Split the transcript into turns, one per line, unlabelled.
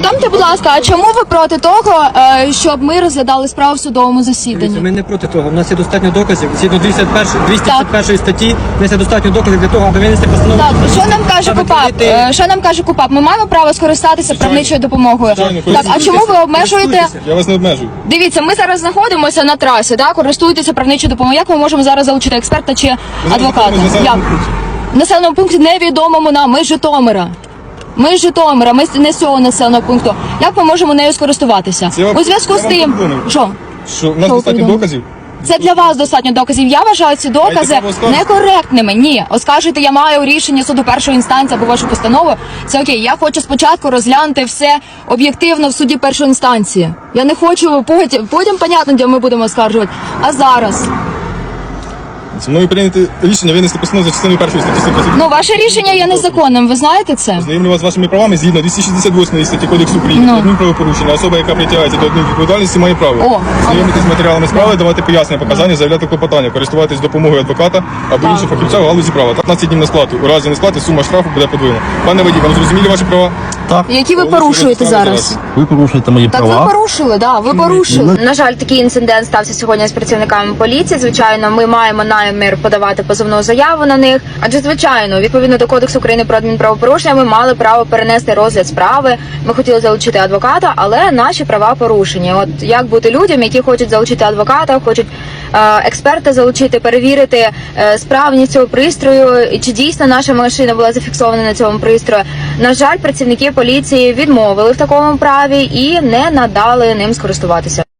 повідомте, будь ласка, а чому ви проти того, щоб ми розглядали справу в судовому засіданні?
Ми не проти того. У нас є достатньо доказів. Згідно 251 статті, у нас є достатньо доказів для того, аби винести постанову.
Так, що нам каже КУПАП? Що нам каже КУПАП? Ми маємо право скористатися правничою допомогою. Так, а чому ви обмежуєте?
Я вас не обмежую.
Дивіться, ми зараз знаходимося на трасі, так, користуєтеся правничою допомогою. Як ми можемо зараз залучити експерта чи адвоката? Як? В населеному пункті невідомому нам, ми з Житомира. Ми з Житомира, ми не з цього населеного пункту. Як ми можемо нею скористуватися? У зв'язку з тим, що?
Що, у нас достатньо доказів?
Це для вас достатньо доказів. Я вважаю ці докази некоректними. Ні, оскаржити я маю рішення суду першої інстанції або вашу постанову. Це окей. Я хочу спочатку розглянути все об'єктивно в суді першої інстанції. Я не хочу потім понятно, де ми будемо оскаржувати. А зараз.
Зі мною прийняти рішення винести постанову за частиною першої статті 120.
Ну, ваше рішення є незаконним, ви знаєте це?
Знайомлю вас з вашими правами згідно 268 статті Кодексу України. Адмінправопорушення. Особа, яка притягається до адмінвідповідальності, має право знайомитися з матеріалами справи, давати пояснення, показання, заявляти клопотання, користуватись допомогою адвоката або інших фахівців у галузі права. 15 днів на сплату. У разі несплати сума штрафу буде подвоєна. Пане водій, вам зрозуміли ваші права?
Так.
Які ви порушуєте зараз?
Ви порушуєте мої
Так
права.
ви порушили, да, ви порушили. На жаль, такий інцидент стався сьогодні з працівниками поліції. Звичайно, ми маємо намір подавати позовну заяву на них. Адже, звичайно, відповідно до Кодексу України про адмінправопорушення, ми мали право перенести розгляд справи. Ми хотіли залучити адвоката, але наші права порушені. От як бути людям, які хочуть залучити адвоката, хочуть експерта залучити, перевірити справність цього пристрою, і чи дійсно наша машина була зафіксована на цьому пристрої. На жаль, працівники поліції відмовили в такому праві і не надали ним скористуватися.